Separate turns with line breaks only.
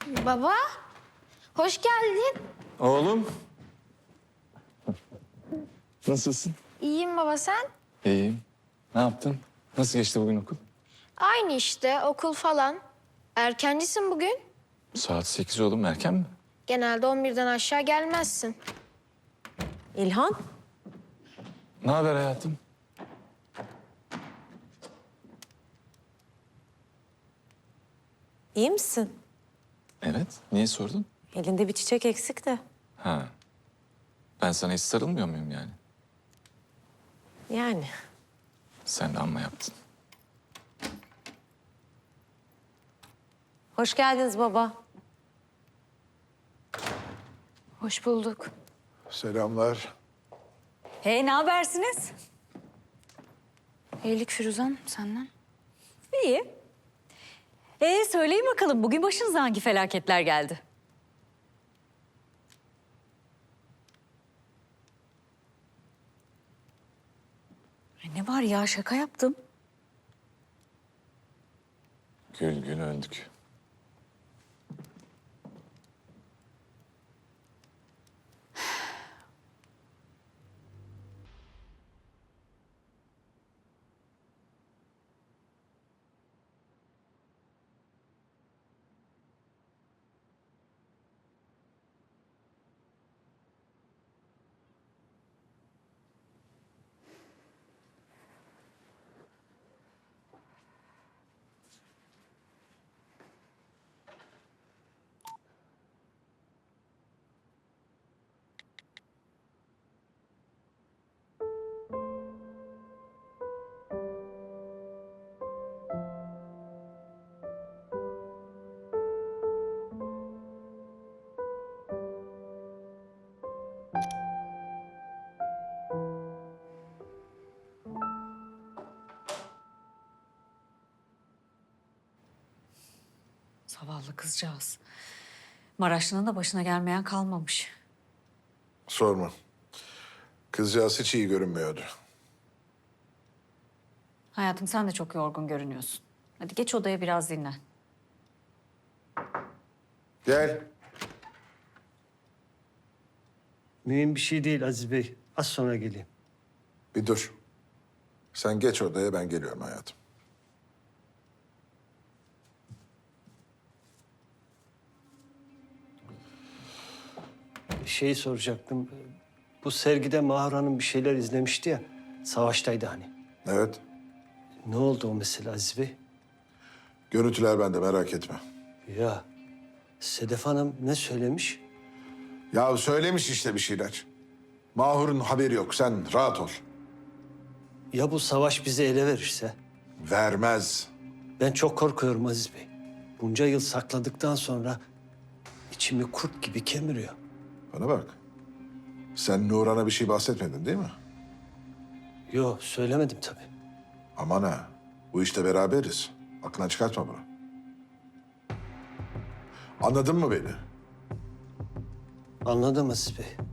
Baba, hoş geldin.
Oğlum. Nasılsın?
İyiyim baba, sen?
İyiyim. Ne yaptın? Nasıl geçti bugün okul?
Aynı işte, okul falan. Erkencisin bugün.
Saat 8 oğlum, erken mi?
Genelde 11'den aşağı gelmezsin.
İlhan,
Ne haber hayatım?
iyi misin?
Evet. Niye sordun?
Elinde bir çiçek eksik de.
Ha. Ben sana hiç sarılmıyor muyum yani?
Yani.
Sen de amma yaptın.
Hoş geldiniz baba.
Hoş bulduk.
Selamlar.
Hey, ne habersiniz?
İyilik Firuzan, senden.
İyi. Söyleyin bakalım, bugün başınıza hangi felaketler geldi? Ne var ya, şaka yaptım.
Gül gül öldük.
Zavallı kızcağız. Maraşlı'nın da başına gelmeyen kalmamış.
Sorma. Kızcağız hiç iyi görünmüyordu.
Hayatım, sen de çok yorgun görünüyorsun. Hadi geç odaya, biraz dinlen.
Gel.
Mühim bir şey değil Aziz Bey. Az sonra geleyim.
Bir dur. Sen geç odaya, ben geliyorum hayatım.
Şeyi soracaktım. Bu sergide Mahur Hanım bir şeyler izlemişti ya. Savaştaydı hani.
Evet.
Ne oldu o mesele Aziz Bey?
Görüntüler bende, merak etme.
Ya Sedef Hanım ne söylemiş?
Ya söylemiş işte bir şeyler. Mahur'un haberi yok. Sen rahat ol.
Ya bu savaş bizi ele verirse?
Vermez.
Ben çok korkuyorum Aziz Bey. Bunca yıl sakladıktan sonra içimi kurt gibi kemiriyor.
Bana bak. Sen Nurhan'a bir şey bahsetmedin değil mi?
Yo söylemedim tabii.
Aman ha. Bu işte beraberiz. Aklından çıkartma bunu. Anladın mı beni?
Anladım Aziz Bey.